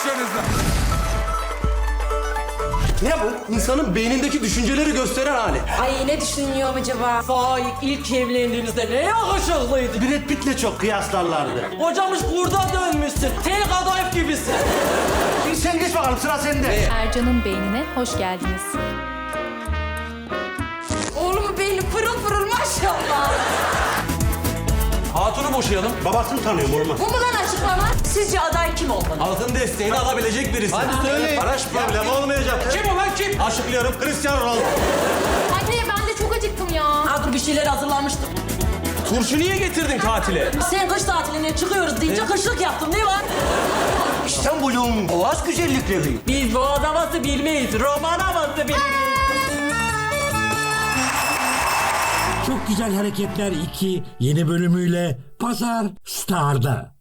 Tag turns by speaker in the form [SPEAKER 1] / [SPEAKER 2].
[SPEAKER 1] başınıza.
[SPEAKER 2] Ne bu? İnsanın beynindeki düşünceleri gösteren hali.
[SPEAKER 3] Ay ne düşünüyor acaba?
[SPEAKER 4] Faik ilk evlendiğinizde ne yakışıklıydı.
[SPEAKER 2] Brad Pitt'le çok kıyaslarlardı.
[SPEAKER 4] Kocamış kurda dönmüşsün. Tek kadayıf gibisin.
[SPEAKER 2] Şimdi sen geç bakalım, sıra sende.
[SPEAKER 5] Ercan'ın beynine hoş geldiniz.
[SPEAKER 3] Oğlumun beyni pırıl pırıl maşallah.
[SPEAKER 1] Hatunu boşayalım.
[SPEAKER 2] Babasını tanıyorum olmaz.
[SPEAKER 3] Bu mu lan açıklama?
[SPEAKER 4] Sizce aday kim olmalı?
[SPEAKER 1] Altın desteğini alabilecek birisi.
[SPEAKER 2] Hadi söyle.
[SPEAKER 1] Araç problemi olmayacak. Kim o lan kim?
[SPEAKER 2] Açıklıyorum, Cristiano Ronaldo.
[SPEAKER 5] Anne ben de çok acıktım ya.
[SPEAKER 4] Ha dur bir şeyler hazırlamıştım.
[SPEAKER 1] Turşu niye getirdin tatile?
[SPEAKER 4] Sen kış tatiline çıkıyoruz deyince kışlık yaptım değil mi?
[SPEAKER 2] İstanbul'un boğaz güzellikleri.
[SPEAKER 4] Biz boğaz havası bilmeyiz. Roman havası biliriz.
[SPEAKER 6] Çok Güzel Hareketler 2 yeni bölümüyle Pazar Star'da.